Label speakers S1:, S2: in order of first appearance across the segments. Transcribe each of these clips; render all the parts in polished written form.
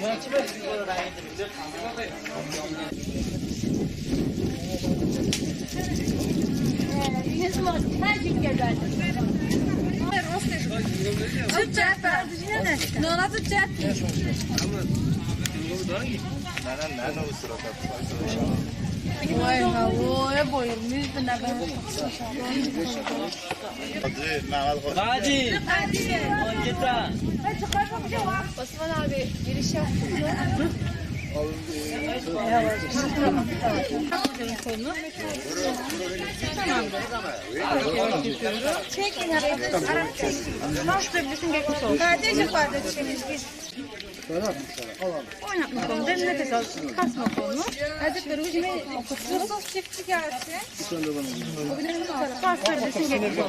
S1: Vay havaya bayılmış da ne ben.
S2: Hadi. Kita.
S1: Osman abi giriş yaptı. Çekin kardeşim kardeşimiz biz. Oynatma konu, derin nefes al, kasma konu. Hazretleri hücme okutuyoruz. Sos çiftçi gelsin. Kasları desin geçmiş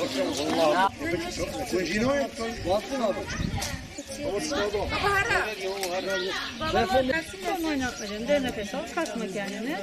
S1: Son oynatmayacaksın, derin nefes al, kasma kendini.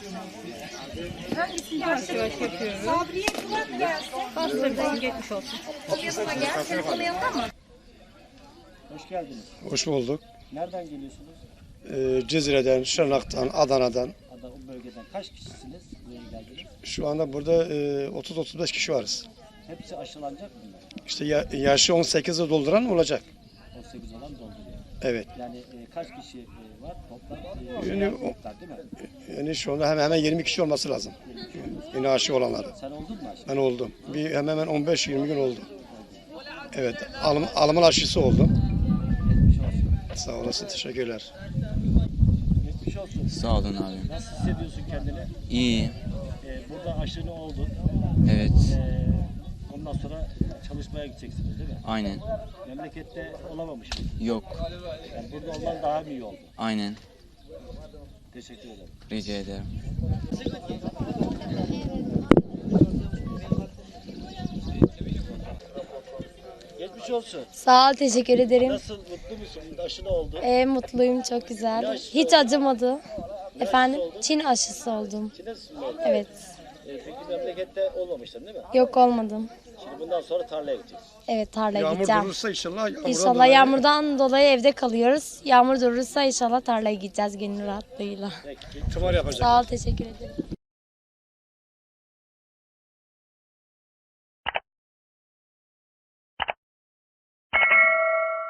S1: Yavaş yavaş yapıyoruz.
S3: Sabriye kulak gelsin.
S1: Kasları desin geçmiş olsun.
S3: Yanına gel. Telefonu yanında mı?
S4: Hoş geldiniz.
S5: Hoş bulduk.
S4: Nereden geliyorsunuz?
S5: Cezire'den, Şırnak'tan, Adana'dan.
S4: O bölgeden kaç kişisiniz? Buraya geldiniz.
S5: Şu anda burada 30-35 kişi varız.
S4: Hepsi aşılanacak mı?
S5: İşte yaşı 18'i dolduran olacak.
S4: 18 olan dolduruyor.
S5: Evet.
S4: Yani kaç kişi var toplam?
S5: Yani,
S4: Değil mi?
S5: yani şu anda hemen 20 kişi olması lazım. Yine aşı olanları.
S4: Sen oldun mu aşı?
S5: Ben oldum. Hemen 15-20 gün oldu. Evet. Alımın aşısı oldum.
S4: Geçmiş olsun.
S5: Sağ olasın. Teşekkürler.
S4: Geçmiş olsun.
S6: Sağ olun abi.
S4: Nasıl hissediyorsun kendini?
S6: İyi.
S4: Burada aşını oldun.
S6: Evet.
S4: Ondan sonra çalışmaya gideceksiniz değil mi?
S6: Aynen.
S4: Memlekette olamamış mı?
S6: Yok.
S4: Yani burada olman daha mı iyi oldu?
S6: Aynen.
S4: Teşekkür ederim.
S6: Rica ederim.
S4: Geçmiş olsun.
S7: Sağ ol, teşekkür ederim.
S4: Nasıl, mutlu musun? Aşını oldu.
S7: Mutluyum, çok güzel. Hiç acımadı. Efendim, Çin aşısı oldum.
S4: Çinesin mi?
S7: Evet.
S4: Peki memlekette olmamıştın değil mi?
S7: Yok, olmadım.
S4: Şimdi bundan sonra tarlaya gideceksin.
S7: Evet, tarlaya
S5: Yağmur
S7: gideceğim.
S5: durursa inşallah.
S7: İnşallah yağmurdan dolayı evde kalıyoruz. Yağmur durursa inşallah tarlaya gideceğiz gönül rahatlığıyla.
S4: Peki.
S5: Tımar yapacak.
S7: Sağ ol, teşekkür ederim.